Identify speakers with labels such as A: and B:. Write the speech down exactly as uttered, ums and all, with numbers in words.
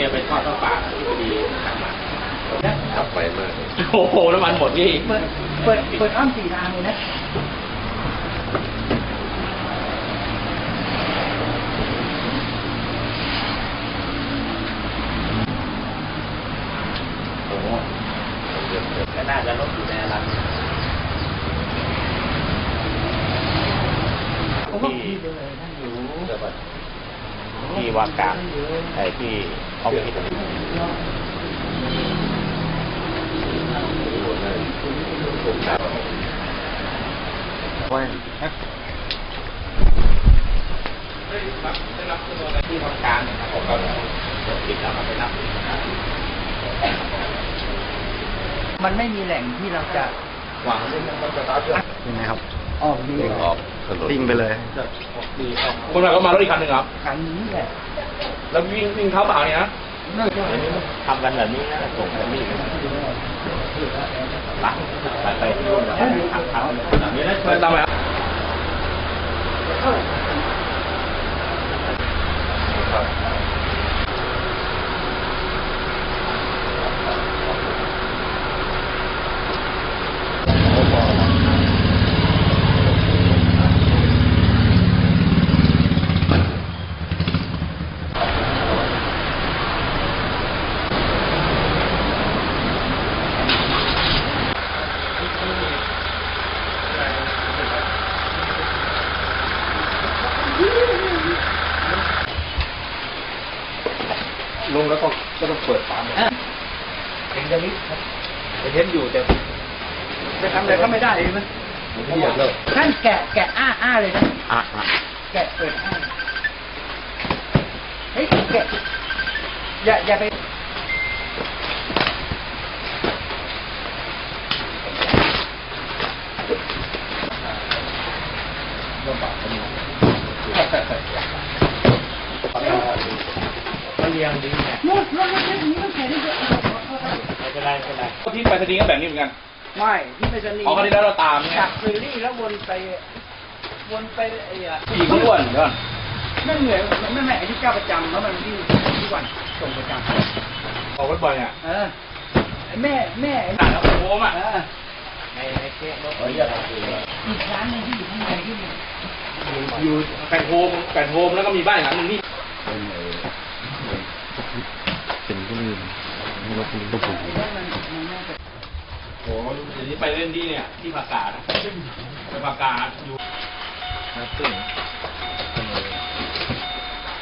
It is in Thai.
A: เนี่ยเป็นทอดข้าวปลาที่พอดีทำมาขับไปมากโอ้โหน้ำมันหมดนี่
B: เปิดเปิดเปิดอ้อมสี่ทางเลยนะ
A: โอ้โหก็น่าจะลดอยู่ในร้านที่ที่วากาไอ้ที่ออฟฟิศว่าได้รับตัวอะไรที่ทำการนะครับผมก็ติดแล้วมาไปนับ
B: มันไม่มีแหล่งที่เราจะ
A: วาง
C: ยังไงครับ
B: ออกดี
A: ออก
C: ติ้งไปเลย
A: คนแบบก็มารถอีกคันหนึ่งครับ
B: คันนี้แหละ
A: แล้ววิ่งวิ่งเท้าเปล่าเนี่ยนะทำกันแบบนี้นะส่งแบบนี้หลังไปไปที่นู่นแล้วทำทำแบบนี้นะไม่ต้องไหมครับลงแล้วก็ก็ต้องเปิดฝาเองจะนิดครับเห็นอยู่แต่จะทำอะไรก็ไม่ได้เลยมันไม่อยากเลิก
B: ท่านแกะแกะอ้าอ้าเลยนะ
C: อ่ะ
B: แกะเปิดอ้าเฮ้ยแกะอย่าอย่าไป
A: ลำบากนี่ก็เลี้ยงดีเนี่ย
B: หมดแล้วไม่ใช่นี้ต้องใส่ได้เยอะ
A: ไม่เป็นไรไม่เป็นไรที่ไปสนีก็แบบนี้เหมือนกัน
B: ไม่ที่ไปสนี
A: อ๋อคราวนี้แล้วเราตามเนี่ย
B: จากเฟรลี่แล้ววนไปวนไปไอ้อะ
A: ผู้หญิงเขาอ้วนเดี๋ยว
B: นั่นเหนื่อยมันไม่แม่ไอ้ที่เจ้าประจำแล้วมันที่ทุกวันส่งประจำ
A: ออกรถบ่อยเนี่ย
B: เออไอ้แม่แม่
A: ต่างกับโค้งอ่ะ
B: ในในเค้กรถอีกร้านนึงที่อยู่ข้างในที่
A: อยู่แปดโฮมแปดโฮมแล้วก็มีบ้านหลังนึงนี่
C: เป็นก็ลืมไม่รู้คุณก็ผม
A: โอ้เดี๋ยวนี้ไปเล่นที่เนี่ยที่ผักกาดไปผักกาดอยู่นะตึ้ง